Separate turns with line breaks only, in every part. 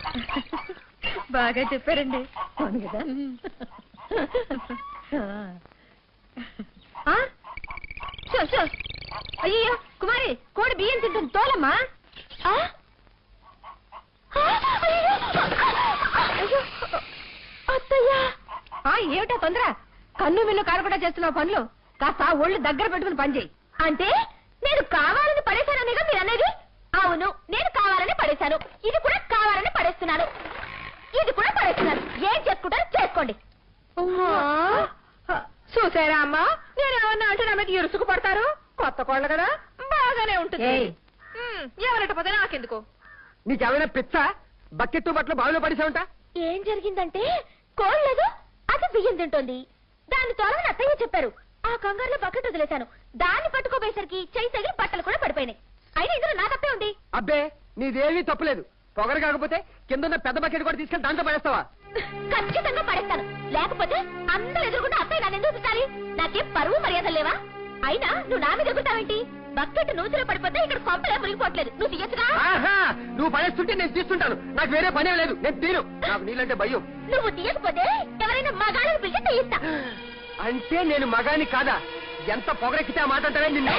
బాగా చెప్పారండి. అవును కదా. అయ్యో కుమారి, కోడి బియ్యం తింటుంది, తోలమ్మా. ఏమిటా తొందర? కన్ను మిన్ను కారకుండా చేస్తున్నావు పనులు. కాస్త ఒళ్ళు దగ్గర పెట్టుకుని పని చేయి. అంటే నేను కావాలని పడేశాననేగా మీరు అనేది? అవును, నేను కావాలని పడేశాను. ఇది కూడా కావాలని పడేస్తున్నాను. ఇది కూడా పడేస్తున్నాను. ఏం చేసుకుంటారో చేసుకోండి. చూసారా అమ్మా, నేను ఏమన్నా అంటే నా మీద ఇరుసుకు పడతారు. కొత్త కోళ్ళ కదా, బాగానే ఉంటుంది. ఎవరట పోతే నాకెందుకు?
నీకేమైనా పిచ్చ? బకెట్టు బట్టలు బావిలో పడేసావుంటా?
ఏం జరిగిందంటే, కోళ్ళదు అది బియ్యం తింటోంది. దాన్ని తోలని అత్తయ్య చెప్పారు. ఆ కంగారులో బకెట్ వదిలేశాను. దాన్ని పట్టుకోబోయేసరికి చెయ్యి తగిలి బట్టలు కూడా పడిపోయినాయి. అయినా ఇందులో నా తప్పే ఉంది.
అబ్బే, నీదేమీ తప్పులేదు. పొగరు కాకపోతే కింద పెద్ద బకెట్ కూడా తీసుకెళ్ళి దాంట్లో పడేస్తావా?
ఖచ్చితంగా పడేస్తాను. లేకపోతే అందరూ ఎదురుకుంటే అత్తయ్య నన్ను ఎందుకు చూడాలి? నాకేం పరువు మర్యాద లేవా? అయినా నువ్వు నా మీద ఎదుగుతావేంటి? బకెట్ నూతిలో పడిపోతే ఇక్కడ కొంపలే మునిగిపోవట్లేదు. నువ్వు తీయచ్చుగా.
నువ్వు పడేస్తుంటే నేను తీస్తుంటాను. నాకు వేరే పనే లేదు. నేను తీను. నాకు నీళ్ళంటే భయం.
నువ్వు తీయకపోతే ఎవరైనా మగాళ్ళని పిలిచి తీయిస్తా.
అంటే నేను మగాని కాదా? ఎంత పొగరెక్కితే ఆ మాట అంటావే నిన్ను?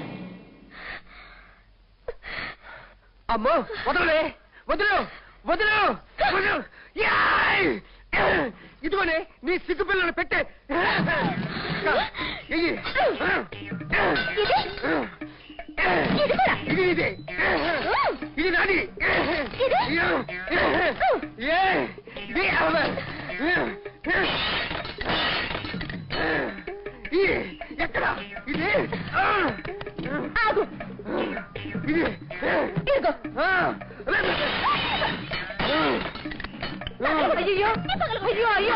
అమ్మో, వదలలే, వదులు వదులు వదులు. ఇదిగోనే నీ సిగ్గు పిల్లలు పెట్టే. ఇది ఇదే, ఇది నాది. ఎక్కడ ఇది? ఇది
అయ్యో అయ్యో అయ్యో,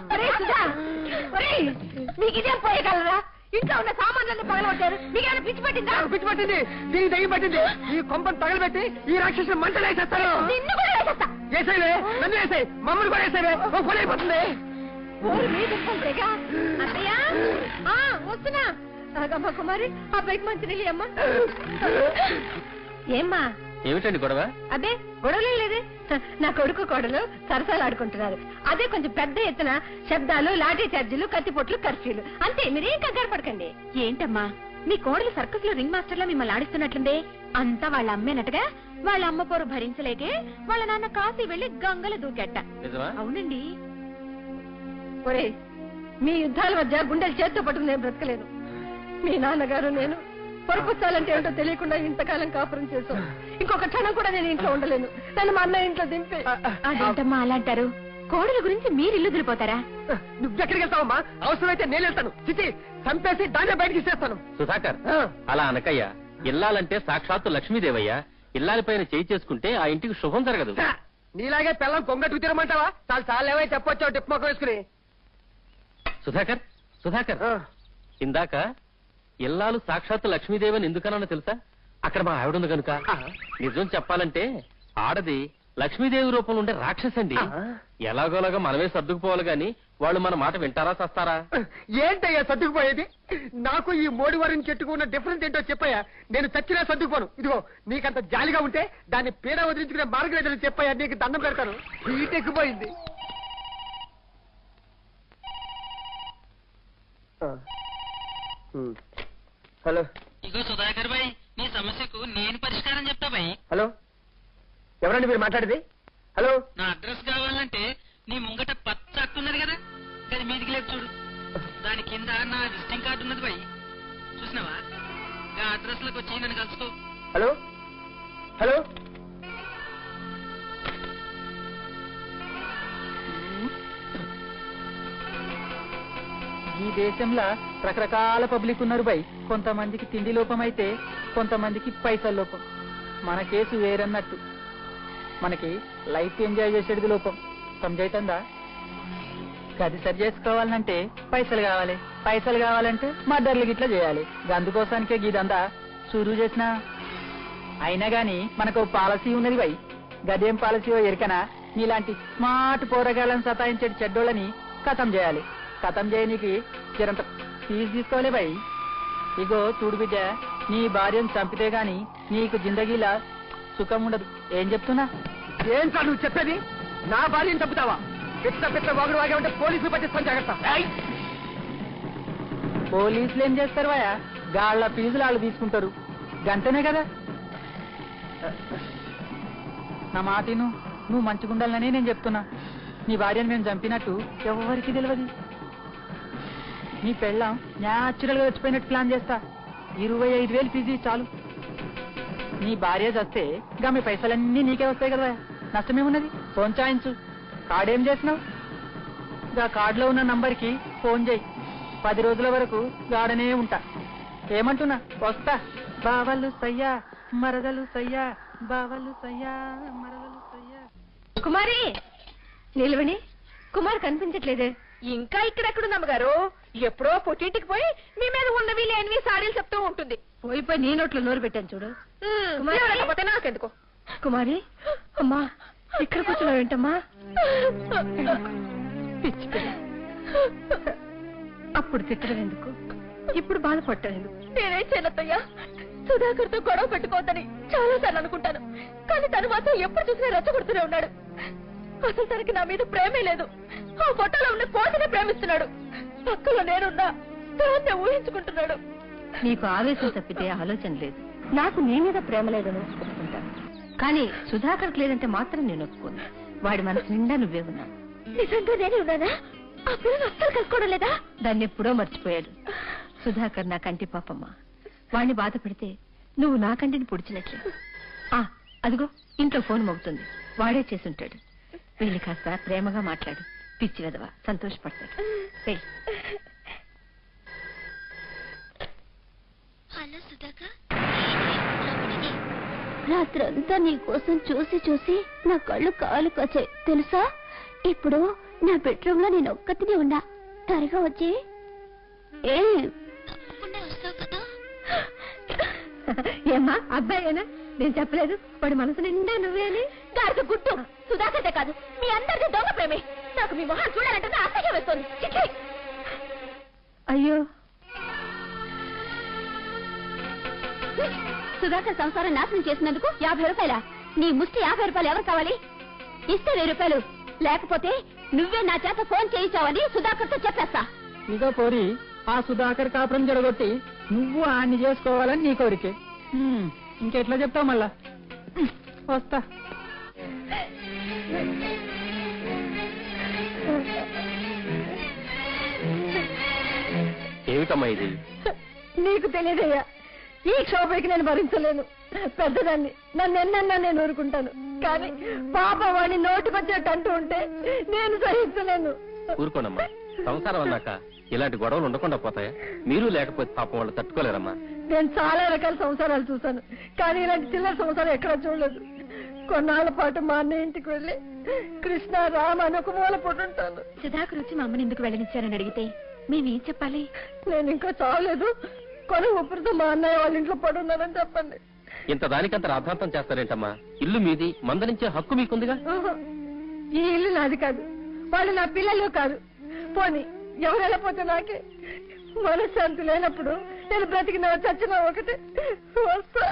మీకు ఇదేం పోయగలరా? ఇంట్లో ఉన్న సామాన్లన్నీ పగలగొట్టారు. మీకేమైనా పిచ్చి పట్టిందా?
పిచ్చి పట్టింది, దీనికి దయ్యం పట్టింది. ఈ కొంపను తగలబెట్టి ఈ రాక్షసుని మంటలు వేసేస్తారు.
నిన్ను కూడా వేసేస్తా.
వేసేవే, నన్ను వేసాయి, మమ్మల్ని కూడా వేసేవే. ఓ పని అయిపోతుంది.
అత్తయ్యా వస్తున్నా. అమ్మా కుమారి, ఆ బైక్ మంచి నీళ్ళు అమ్మా. ఏమ్మా?
ఏమిటండి గొడవ?
అదే గొడవలే లేదే. నా కొడుకు కోడలు సరసాలు ఆడుకుంటున్నారు. అదే కొంచెం పెద్ద ఎత్తున శబ్దాలు, లాఠీ చార్జీలు, కత్తిపొట్లు, కర్ఫ్యూలు. అంతే, మీరేం కంగారు పడకండి. ఏంటమ్మా, మీ కోడలు సర్కస్ లో రింగ్ మాస్టర్ లో మిమ్మల్ని ఆడిస్తున్నట్లుందే. అంతా వాళ్ళ అమ్మేనట్టుగా. వాళ్ళ అమ్మ పోరు భరించలేకే వాళ్ళ నాన్న కాశీ వెళ్లి గంగలు దూకెట్ట. అవునండి. ఒరే, మీ యుద్ధాల మధ్య గుండెలు చేత్తో పట్టుకుని నేను బ్రతకలేదు. మీ నాన్నగారు నేను పొరపుచ్చాలంటే ఏంటో తెలియకుండా ఇంతకాలం కాపురం చేశాం. ఇంకొక క్షణం కూడా నేను ఇంట్లో ఉండలేను. నన్ను మా అన్న ఇంట్లో దింపి. అదేంటమ్మా అలా అంటారు? కోడల గురించి మీరు ఇల్లు దిలిపోతారా?
నువ్వెక్కడికి వెళ్తావమ్మా? అవసరమైతే నేను వెళ్తాను. చిచి, చంపేసి దాన్ని బయటికి ఇచ్చేస్తాను.
సుధాకర్, అలా అనకయ్యా. ఇల్లాలంటే సాక్షాత్తు లక్ష్మీదేవయ్యా. ఇల్లాలపైన చేయి చేసుకుంటే ఆ ఇంటికి శుభం జరగదు.
నీలాగే పిల్లలు కొంగట్టు తిరమంటావా? చాలా చాలా ఏమైనా చెప్పొచ్చావు టిప్ మొక్క వేసుకుని.
సుధాకర్, సుధాకర్, ఇందాక ఇల్లాలు సాక్షాత్తు లక్ష్మీదేవని ఎందుకన్నా తెలుసా? అక్కడ మా ఆవిడుంది కనుక. నిజం చెప్పాలంటే ఆడది లక్ష్మీదేవి రూపంలో ఉండే రాక్షసండి. ఎలాగోలాగా మనమే సర్దుకుపోవాలి గాని వాళ్ళు మన మాట వింటారా చస్తారా?
ఏంటయ్యా సర్దుకుపోయేది? నాకు ఈ మోడివారిని చెట్టుకున్న డిఫరెన్స్ ఏంటో చెప్పయ్యా. నేను చచ్చినా సర్దుకుపోను. ఇదిగో, నీకంత జాలిగా ఉంటే దాన్ని పీడ వదిలించుకునే మార్గం ఏదైనా చెప్పయ్యా. నీకు దండం పెడతాను. హీట్ ఎక్కిపోయింది. హలో.
ఇగో సుధాకర్ భాయ్, నీ సమస్యకు నేను పరిష్కారం చెప్తా భాయ్.
హలో, ఎవరండి మీరు మాట్లాడేది? హలో.
నా అడ్రస్ కావాలంటే నీ ముంగట పచ్చ అట్టున్నది కదా, అది మీదికి లేదు చూడు. దాని కింద నా విజిటింగ్ కార్డు ఉన్నది భాయ్, చూసినావా? ఆ అడ్రస్ లకు వచ్చి నన్ను కలుసుకో.
Hello hello.
ఈ దేశంలో రకరకాల పబ్లిక్ ఉన్నారు బై. కొంతమందికి తిండి లోపం అయితే కొంతమందికి పైసల లోపం. మన కేసు వేరన్నట్టు. మనకి లైఫ్ ఎంజాయ్ చేసేది లోపం. సమజైతుందా? గది సరి చేసుకోవాలంటే పైసలు కావాలి. పైసలు కావాలంటే మర్డర్లు గిట్లా చేయాలి. అందుకోసానికే గీదంతా షురూ చేసినా. అయినా గాని మనకు పాలసీ ఉన్నది బై. గదేం పాలసీయో ఎరికనా? నీలాంటి స్మార్ట్ పోరగాళ్ళని సతాయించేటి చెడ్డోళ్ళని ఖతం చేయాలి. ఖతం చేయనీకి జరంత ఫీజు తీసుకోలే బై. ఇగో చూడు బిడ్డ, నీ భార్యను చంపితే గాని నీకు జిందగీలా సుఖం ఉండదు. ఏం చెప్తున్నా?
ఏంట్రా నువ్వు చెప్పేది? నా భార్యను చంపుతావా? పెద్ద వాగుడు వాగే ఉంటే పోలీసులు పట్టిస్తాను, జాగ్రత్త.
పోలీసులు ఏం చేస్తారు వాయా? గాళ్ళ ఫీజులు వాళ్ళు తీసుకుంటారు, గంతనే కదా. నా మాటిను, నువ్వు మంచిగుండాలని నేను చెప్తున్నా. నీ భార్యను మేము చంపినట్టు ఎవరికి తెలియదు. నీ పెళ్ళాం న్యాచురల్ గా వచ్చిపోయినట్టు ప్లాన్ చేస్తా. 25,000 ఫీజు చాలు. నీ భార్య చస్తే మీ పైసలన్నీ నీకే వస్తాయి కదా. నష్టమేమున్నది? ఫోన్ చాయించు. కార్డేం చేసినావు? గా కార్డులో ఉన్న నంబర్కి ఫోన్ చేయి. 10 రోజుల వరకు గాడనే ఉంటా. ఏమంటున్నా? వస్తా. బావలు సయ్యా మరదలు సయ్యా, బావలు సయ్యా మరదలు సయ్యా.
కుమారి నిలవని, కుమార్ కనిపించట్లేదే.
ఇంకా ఇక్కడెక్కడుందమ్మ గారు? ఎప్పుడో పుట్టింటికి పోయి మీ మీద ఉన్నవి లేనివి సాడీలు చెప్తూ ఉంటుంది.
పోయిపోయి నీ నోట్లో నోరు పెట్టాను చూడు.
లేకపోతే నాకెందుకు?
కుమారి, అమ్మా ఇక్కడ కూర్చున్నావు ఏంటమ్మా? అప్పుడు తిట్టడం ఎందుకు, ఇప్పుడు బాధపడటం ఎందుకు?
నేనేం చేయనత్తయ్యా, సుధాకర్ తో గొడవ పెట్టుకోవద్దని చాలా సార్లు అనుకుంటాను. కానీ తను మాత్రం ఎప్పుడు చూసినా రెచ్చగొడుతూనే ఉన్నాడు. అసలు తనకి నా మీద ప్రేమే లేదు. ఆ ఫోటోలో ఉన్న పోటీని ప్రేమిస్తున్నాడు. పక్కలో నేనున్నా దాన్నే ఊహించుకుంటున్నాడు.
నీకు ఆవేశం తప్పితే ఆలోచన లేదు. నాకు నీ మీద ప్రేమ లేదని ఒప్పుకుంటాను, కానీ సుధాకర్కి లేదంటే మాత్రం నేను ఒప్పుకోను. వాడి మనసు నిండా నువ్వే ఉన్నావు.
నిజంగా నేనే ఉన్నానా? ఆ పిల్లలు అస్సలు కలుసుకోవడం లేదా?
దాన్ని ఎప్పుడో మర్చిపోయాడు. సుధాకర్ నా కంటి పాపమ్మ. వాడిని బాధ పెడితే నువ్వు నా కంటిని పొడిచినట్లే. అదిగో ఇంట్లో ఫోన్ మోగుతుంది, వాడే చేసుంటాడు. వెళ్ళి కాస్త ప్రేమగా మాట్లాడు. పిచ్చి వెదవా సంతోషపడతాడు.
హలో సుధాకర్, రాత్రంతా నీ కోసం చూసి చూసి నా కళ్ళు కాలు కాచాయి తెలుసా. ఇప్పుడు నా బెడ్రూమ్ లో నేను ఒక్కతినే ఉన్నా. త్వరగా వచ్చి వస్తావు కదా.
ఏమ్మా అబ్బాయేనా? నేను చెప్పలేదు వాడి మనసు నిండా నువ్వే అని?
గారికి గుట్టు సుధాకర్దే కాదు, మీ అందరిది దొంగ ప్రేమే. నాకు మీ మొహం చూడాలంటే అసహ్యం వేస్తుంది. చిక్కి
అయ్యో,
సుధాకర్ సంసారం నాశనం చేసినందుకు 50 రూపాయల? నీ ముష్టి 50 రూపాయలు ఎవరు కావాలి? ఇస్తే 1000 రూపాయలు, లేకపోతే నువ్వే నా చేత ఫోన్ చేయించావని సుధాకర్ తో చెప్పేస్తా.
ఇదో పోరి, ఆ సుధాకర్ కాపురం జరగొట్టి నువ్వు ఆన్ని చేసుకోవాలని నీ కోరికే. ఇంకెట్లా చెప్తావు మళ్ళా? వస్తా.
ఏమిటమ్మా ఇది?
నీకు తెలియదయ్యా, ఈ క్షోభకి నేను భరించలేను. పెద్దదాన్ని, నన్ను ఎన్నన్నా నేను ఊరుకుంటాను, కానీ పాప వాడిని నోటికొచ్చినట్టు అంటూ ఉంటే నేను సహించలేను.
ఊరుకోనమ్మా, సంసారం అన్నాక ఇలాంటి గొడవలు ఉండకుండా పోతాయా? మీరు లేకపోతే పాపం వాళ్ళు తట్టుకోలేరమ్మా.
నేను చాలా రకాల సంసారాలు చూశాను, కానీ ఇలాంటి చిల్లర సంసారం ఎక్కడా చూడలేదు. కొన్నాళ్ల పాటు మా అన్నయ్య ఇంటికి వెళ్ళి కృష్ణ రామ అని ఒక మూల పొట్టుంటాను.
సుధాకర్ వచ్చి మా అమ్మని ఎందుకు వెళ్ళనిచ్చారని అడిగితే మేమేం చెప్పాలి?
నేను ఇంకా చావలేదు, కొని ఊపిరితో మా అన్నయ్య వాళ్ళ ఇంట్లో పడున్నానని చెప్పండి.
ఇంత దానికంత రాద్ధాంతం చేస్తారేంటమ్మా? ఇల్లు మీది, మందరించే హక్కు మీకుందిగా.
ఈ ఇల్లు నాది కాదు, వాళ్ళు నా పిల్లలు కాదు. పోనీ ఎవరు వెళ్ళపోతే నాకే. మనశ్శాంతి లేనప్పుడు నేను బ్రతికినా చచ్చినా ఒకటే. వస్తా.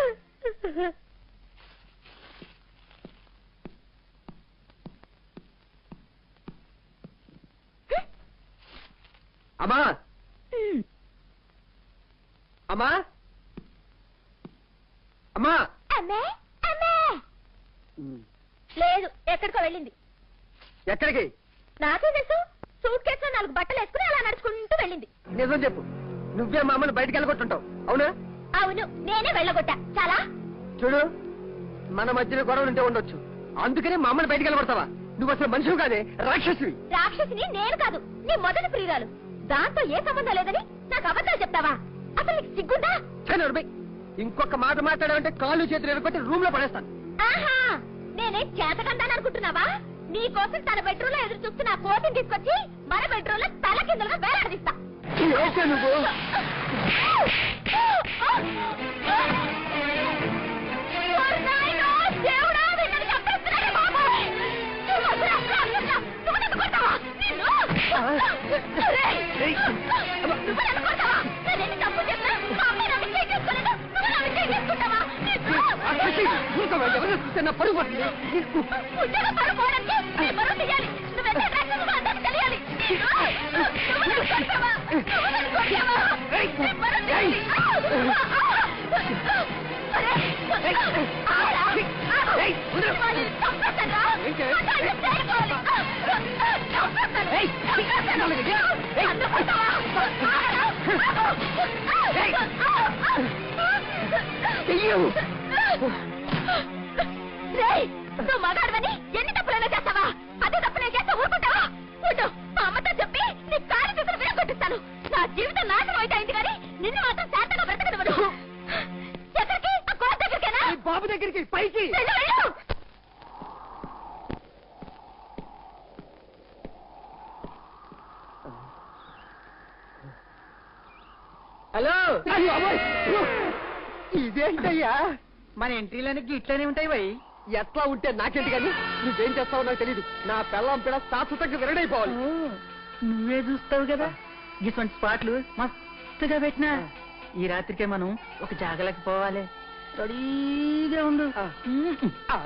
అమ్మా అమ్మా అమ్మా
అమ్మే అమ్మే లేదు, ఎక్కడికో వెళ్ళింది.
ఎక్కడికి?
నాకే తెలుసు. సూట్ కేసు లో 4 బట్టలు వేసుకుని అలా నడుచుకుంటూ వెళ్ళింది.
నిజం చెప్పు, నువ్వే మా అమ్మని బయటకు వెళ్ళగొట్టుంటావు, అవునా?
అవును, నేనే వెళ్ళగొట్టా. చాలా
చూడు, మన మధ్యలో గొడవలు ఉంటే ఉండొచ్చు, అందుకనే మా అమ్మని బయటకు వెళ్ళగొడతావా? నువ్వు అసలు మనిషివి కాదే, రాక్షసివి.
రాక్షసిని నేను కాదు, నీ మొదటి ప్రియురాలు. దాంతో ఏ సంబంధం లేదని నాకు అబద్ధాలు చెప్తావా? అసలు నీకు సిగ్గుందా?
ఇంకొక మాట మాట్లాడాలంటే కాళ్ళు చేతులు ఎరగొట్టి రూమ్ లో పడేస్తాను.
ఆహా, నేనే చేతకందాని అనుకుంటున్నావా? నీ కోసం తన బెడ్రూమ్ లో ఎదురు చూస్తున్న కోతిని తీసుకొచ్చి మన బెడ్రూమ్ లో తల కిందలుగా వేలాడదీస్తా.
నువ్వు
దేవుడా, వీళ్ళని చంపేస్తున్నాడే బాబోయ్! నువ్వు నన్ను కొడతావా? నువ్వు నన్ను కొడతావా? నేనేంటి తప్పు చేసినా? మా అమ్మాయి నా విషయం చేసుకోలేదు, నువ్వు నా విషయం చేసుకుంటావా?
చూస్తే నా పరుగు పడుతుంది.
ఉద్యోగం పడుకోవడానికి నీ పరువు తీయాలి. నువ్వెంత రాక్షసుడివో అందరికీ తెలియాలి. నువ్వు నన్ను కొట్టావా? నువ్వు నన్ను కొట్టావా? నీ పరువు తీయాలి. అరే, ఆగరా? ఆగు. వాళ్ళని చంపేస్తానురా. వాళ్ళని చేయకూడదు. చంపేస్తాను. నన్ను కొట్టావా? ఆగరా? రేయ్, నువ్వు మగాడవని ఎన్ని తప్పులైనా చేస్తావా? అదే తప్పు నేను చేస్తా ఊరుకుంటావా? ఉండు, మా అమ్మతో చెప్పి నీ కాలు చేతులు విరగొట్టిస్తాను. నా జీవితం నాశనం అయితే అయింది కానీ నిన్ను మాత్రం శాంతంగా బ్రతకనివ్వను. ఎక్కడికి? ఆ కోట దగ్గరికేనా?
ఈ బాబు దగ్గరికి పైకి.
వెళ్ళు, వెళ్ళు.
హలో,
అయ్యో, అమ్మాయి. ఇదేంటయ్యా?
మన ఎంట్రీలన్నీ ఇట్లనే ఉంటాయి బై.
ఎట్లా ఉంటే నాకేంటి కానీ నువ్వేం చేస్తావో నాకు తెలీదు. నా పెళ్ళం పిల్ల శాశ్వతంగా విరడైపోవాలి.
నువ్వే చూస్తావు కదా ఇటువంటి స్పాట్లు మస్తుగా పెట్టినా. ఈ రాత్రికే మనం ఒక జాగలకి పోవాలి. రెడీగా ఉండు.